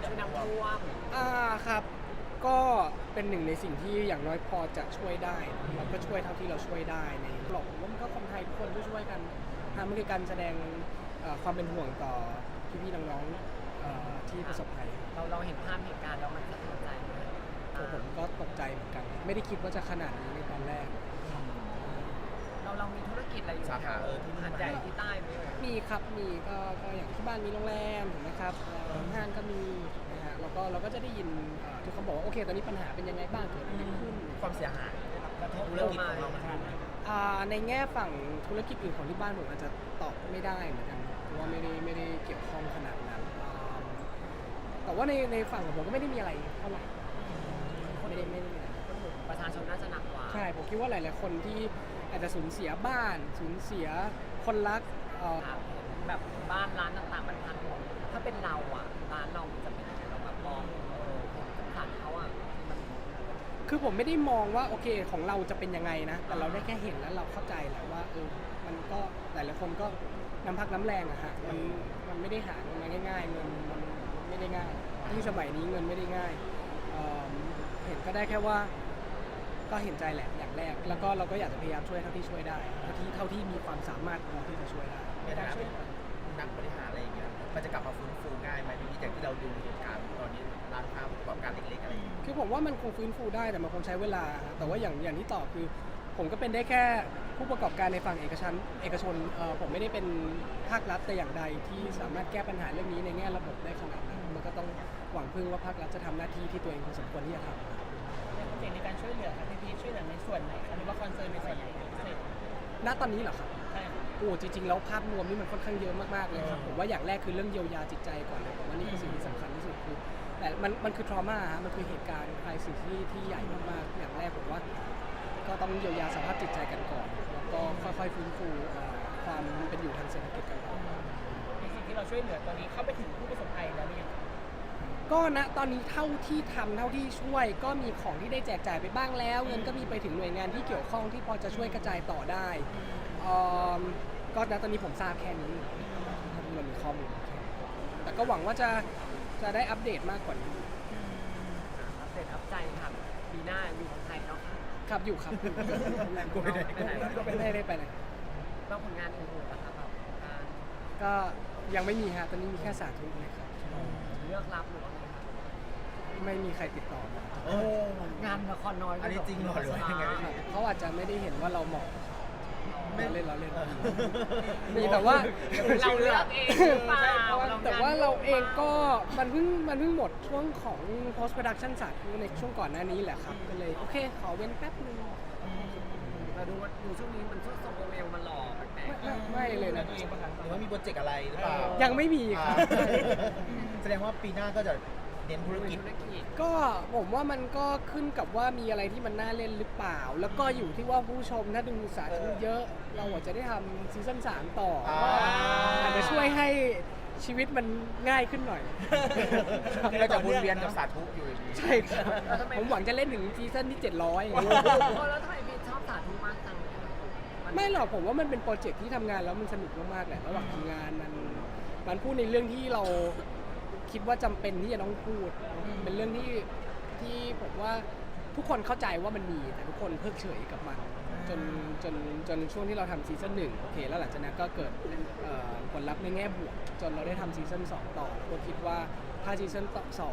ช่วยน้ำท่วมครับก็เป็นหนึ่งในสิ่งที่อย่างน้อยพอจะช่วยได้เราก็ช่วยเท่าที่เราช่วยได้ในหลอกว่ามันก็คนไทยทุกคนช่วยกันมันคือการแสดงความเป็นห่วงต่อพี่ๆน้องๆที่ประสบภัยเราเห็นภาพเหตุการณ์แล้วมันสะเทือนใจไหมผมก็ตกใจเหมือนกันไม่ได้คิดว่าจะขนาดนี้ในตอนแรกเรามีธุรกิจอะไรอยู่สาขาที่หาดใหญ่ที่ใต้ไหมมีครับมีก็อย่างที่บ้านมีโรงแรมถูกไหมครับห้างก็มีนะฮะเราก็จะได้ยินทุกคนบอกว่าโอเคตอนนี้ปัญหาเป็นยังไงบ้างเกิดอะไรขึ้นความเสียหายกระทบธุรกิจของเรามันในแง่ฝั่งธุรกิจอื่นของที่บ้านผมอาจจะตอบไม่ได้เหมือนกันเพราะว่าไม่ได้เกี่ยวข้องขนาดนั้นแต่ว่าในฝั่งของผมก็ไม่ได้มีอะไรเท่าไหร่ไม่ได้มีอะไรประชาชนน่าจะหนักกว่าใช่ผมคิดว่าหลายๆคนที่อาจจะสูญเสียบ้านสูญเสียคนรักแบบบ้านร้านต่างๆมันพังหมดถ้าเป็นเราอ่ะร้านเราจะเป็นยังไงเราแบบมองสงสารเขาอ่ะคือผมไม่ได้มองว่าโอเคของเราจะเป็นยังไงนะแต่เราได้แค่เห็นแล้วเราเข้าใจแหละว่ามันก็หลายๆคนก็น้ำพักน้ำแรงอะฮะมันไม่ได้หาเงินมาง่ายๆเงินมันไม่ได้ง่ายที่สมัยนี้เงินไม่ได้ง่ายเห็นก็ได้แค่ว่าก็เห็นใจแหละอย่างแรกแล้วก็เราก็อยากจะพยายามช่วยเท่าที่ช่วยได้เท่าที่มีความสามารถพอที่จะช่วยได้ในฐานะนักบริหารอะไรอย่างเงี้ยมันจะกลับมาฟื้นฟูง่ายไหมพี่จากที่เราดูเหตุการณ์ตอนนี้ร้านค้าประกอบการเล็กๆอะไรอย่างเงี้ยคือผมว่ามันคงฟื้นฟูได้แต่มันคงใช้เวลาแต่ว่าอย่างที่ตอบคือผมก็เป็นได้แค่ผู้ประกอบการในฝั่งเอกชนผมไม่ได้เป็นภาครัฐแต่อย่างใดที่สามารถแก้ปัญหาเรื่องนี้ในแง่ระบบได้ขนาดนั้นมันก็ต้องหวังพึ่งว่าภาครัฐจะทำหน้าที่ที่ตัวเองสมควรที่จะทำในการช่วยเหลือครับพี่ช่วยเหลือในส่วนไหนหรือว่าคอนเซิร์นในส่วนไหนพิเศษณตอนนี้เหรอครับใช่จริงๆแล้วภาพรวมนี่มันค่อนข้างเยอะมากๆเลยครับผมว่าอย่างแรกคือเรื่องเยียวยาจิตใจก่อนเลยผมว่านี่คือสิ่งที่สำคัญที่สุดคือแต่มันคือทรมามันคือเหตุการณ์ใครสิ่งที่ใหญ่มากๆอย่างแรกผมว่าก็ต้องเยียวยาสภาพจิตใจกันก่อนแล้วก็ค่อยๆฟื้นฟูความเป็นอยู่ทางเศรษฐกิจกันต่อในสิ่งที่เราช่วยเหลือตอนนี้เข้าไปถึงผู้ประสบภัยแล้วหรือยังก็ณตอนนี้เท่าที่ทำเท่าที่ช่วยก็มีของที่ได้แจกจ่ายไปบ้างแล้วเงินก็มีไปถึงหน่วยงานที่เกี่ยวข้องที่พอจะช่วยกระจายต่อได้ก็ณตอนนี้ผมทราบแค่นี้ถ้าเรามีข้อมูลแต่ก็หวังว่าจะได้อัปเดตมากกว่านี้อัปเดตอัปใจครับปีหน้าอยู่เมืองไทยเนาะครับอยู่ครับก็ไม่ได้ไปไหนแล้วผลงานอื่นๆนะครับก็ยังไม่มีฮะตอนนี้มีแค่สาธุเลยครับเลือกรับหรือว่าไงครับไม่มีใครติดต่อมางานละครน้อยอันนี้จริงหรอหรือยังไงเขาอาจจะไม่ได้เห็นว่าเราเหมาะเราเล่นมีแต่ว่าเราเลือกเองแต่ว่าเราเองก็มันเพิ่งหมดช่วงของ post production สาธุในช่วงก่อนหน้านี้แหละครับก็เลยโอเคขอเว้นแป๊บนึงเราดูช่วงนี้มันช่วงโซโมเมลมันหล่อแปลกไม่เลยนะหรือว่ามีโปรเจกต์อะไรหรือเปล่ายังไม่มีครับแสดงว่าปีหน้าก็จะเน้นธุรกิจก็ผมว่ามันก็ขึ้นกับว่ามีอะไรที่มันน่าเล่นหรือเปล่าแล้วก็อยู่ที่ว่าผู้ชมถ้าดูสาธุเยอะเราอาจจะได้ทำซีซั่น3ต่ออาจจะช่วยให้ชีวิตมันง่ายขึ้นหน่อยเราจะวนเวียนกับสาธุอยู่อย่างนี้ใช่ครับผมหวังจะเล่นถึงซีซั่นที่700 แล้วทำไมพี่ชอบสาธุมากจังไม่หรอกผมว่ามันเป็นโปรเจกต์ที่ทำงานแล้วมันสนุกมากๆแหละระหว่างทำงานมันพูดในเรื่องที่เราคิดว่าจำเป็นที่จะต้องพูดเป็นเรื่องที่ผมว่าทุกคนเข้าใจว่ามันมีแต่ทุกคนเพิกเฉยกับมันจนช่วงที่เราทำซีซั่น1โอเคแล้วหลังจากนั้นก็เกิดผลลัพธ์ในแง่บวกจนเราได้ทำซีซั่น2ต่อก็คิดว่าถ้าซีซั่น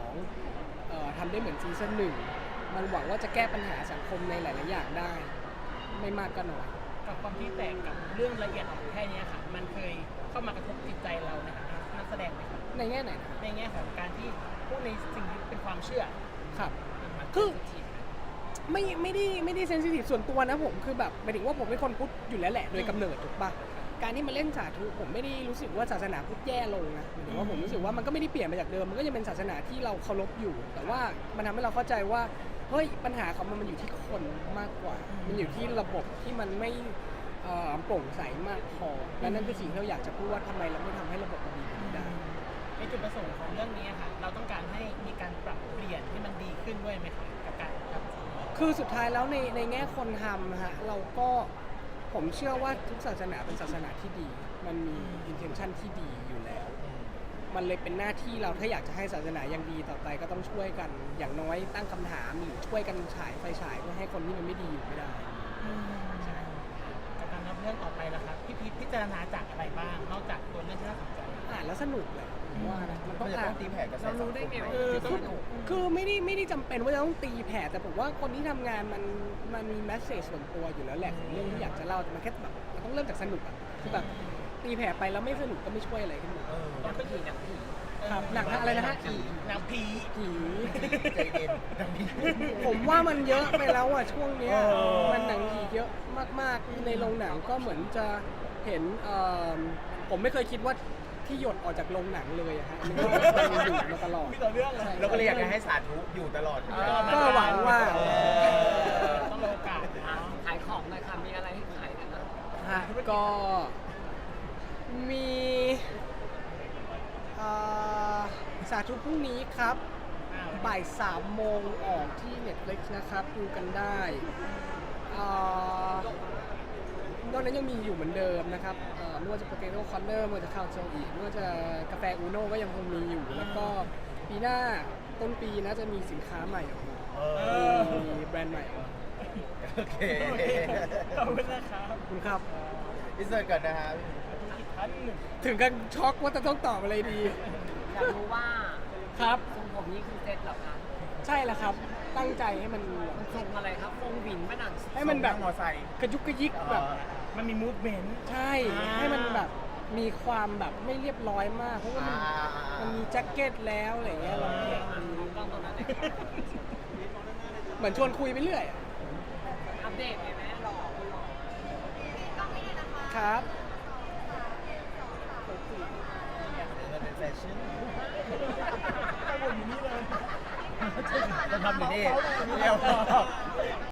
2ทำได้เหมือนซีซั่น1มันหวังว่าจะแก้ปัญหาสังคมในหลายๆอย่างได้ไม่มากก็น้อยกับความที่แตกกับเรื่องละเอียดอ่อนแค่นี้ค่ะมันเคยเข้ามากระทบจิตใจเราในฐานะนักแสดงไหมครับในแง่ไหนในแง่ของการที่พวกในสิ่งที่เป็นความเชื่อครับคือไม่ได้เซนซิทีฟส่วนตัวนะผมคือแบบหมายถึงว่าผมเป็นคนพุทธอยู่แล้วแหละโดยกำเนิดถูกปะการที่มาเล่นสาธุผมไม่ได้รู้สึกว่าศาสนาพุทธแย่ลงนะหมายถึงว่าผมรู้สึกว่ามันก็ไม่ได้เปลี่ยนไปจากเดิมมันก็ยังเป็นศาสนาที่เราเคารพอยู่แต่ว่ามันทำให้เราเข้าใจว่าเฮ้ยปัญหาของมันอยู่ที่คนมากกว่ามันอยู่ที่ระบบที่มันไม่โปร่งใสมากพอและนั่นคือสิ่งที่เราอยากจะพูดว่าทำไมเราไม่ทำให้ระบบมันดีขึ้นได้ในจุดประสงค์ของเรื่องนี้ค่ะเราต้องการให้มีการปรับเปลี่ยนให้มันดีขึ้นด้วยไหมคะกับการทำคือสุดท้ายแล้วในแง่คนทำฮะเราก็ผมเชื่อว่าทุกศาสนาเป็นศาสนาที่ดีมันมี intention ที่ดีอยู่แล้วมันเลยเป็นหน้าที่เราถ้าอยากจะให้ศาสนายังดีต่อไปก็ต้องช่วยกันอย่างน้อยตั้งคำถามหรือช่วยกันฉายไฟฉายเพื่อให้คนที่มันไม่ดีอยู่ไม่ได้จากการรับเรื่องต่อไปแล้วครับพี่พีชพิจารณาจากอะไรบ้าง นอกจากตัวเรื่องที่น่าสนใจอ่านแล้วสนุกเลยผมว่านะมันก็ต้องจะอ่าต้อน งตีแผ่กระแสเรารู้ได้ไงว่าคือคือไม่ได้จำเป็นว่าจะต้องตีแผ่แต่ผมว่าคนที่ทำงานมันมีแมสเซจส่วนตัวอยู่แล้วแหละของเรื่องที่อยากจะเล่าแต่มันแค่แบบมันต้องเริ่มจากสนุกอ่ะคือแบบตีแผ่ไปแล้วไม่สนุกก็ไม่ช่วยอะไรขึ้นมาหนังผีหนังผีครับหนังอะไรนะฮะหนังผีผีใจเย็นดังนี้ผมว่ามันเยอะไปแล้วอ่ะช่วงเนี้ยเออมันหนังผีเยอะมากๆในโรงหนังก็เหมือนจะเห็นผมไม่เคยคิดว่าที่หยดออกจากโรงหนังเลยอะฮะมันก็มันอยู่มาตลอดมีต่อเรื่องเลยเราก็เลยอยากจะให้สาธุอยู่ตลอดก็หวังว่าต้องโอกาสอ่ะขายของหน่อยค่ะ มีอะไรให้ขายกันนะฮะก็มีสาธุพรุ่งนี้ครับบ่าย3 โมงออกที่ Netflix นะครับดูกันได้นอกนั้นยังมีอยู่เหมือนเดิมนะครับไม่ว่าจะ Potato Corner ไม่ว่าจะข้าวโซอีไม่ว่าจะกาแฟอูโน่ก็ยังคงมีอยู่ แล้วก็ปีหน้าต้นปีนะจะมีสินค้าใหม่ออกมามีแบรนด์ใหม่ออกมาโอเคขอบคุณนะครับขอบคุณครับพิเศษก่อนนะฮะอีกท่านหนึ่งถึงกันช็อกว่าจะต้องตอบอะไรดีอยากรู้ว่าครับทรงผมนี้คือเซ็ตเหรอคะใช่แล้วครับ ตั้งใจให้มันมันทรงอะไรครับทรงหวินไหมหนังให้มันแบบมอไซค์กระยุกกระยิกแบบมันมีมูฟเมนต์ใช่ ให้มันแบบมีความแบบไม่เรียบร้อยมาก เพราะว่ามันมีแจ็คเก็ตแล้วอะไรเงี้ยเรากล้องตรงนั้นเลยเหมือนชวนคุยไปเรื่อยอะอัปเดตเลยไหมหล่อครับมันเป็นแฟชั่นผมอยู่นี่เลยจะทำอยู่นี่เดียว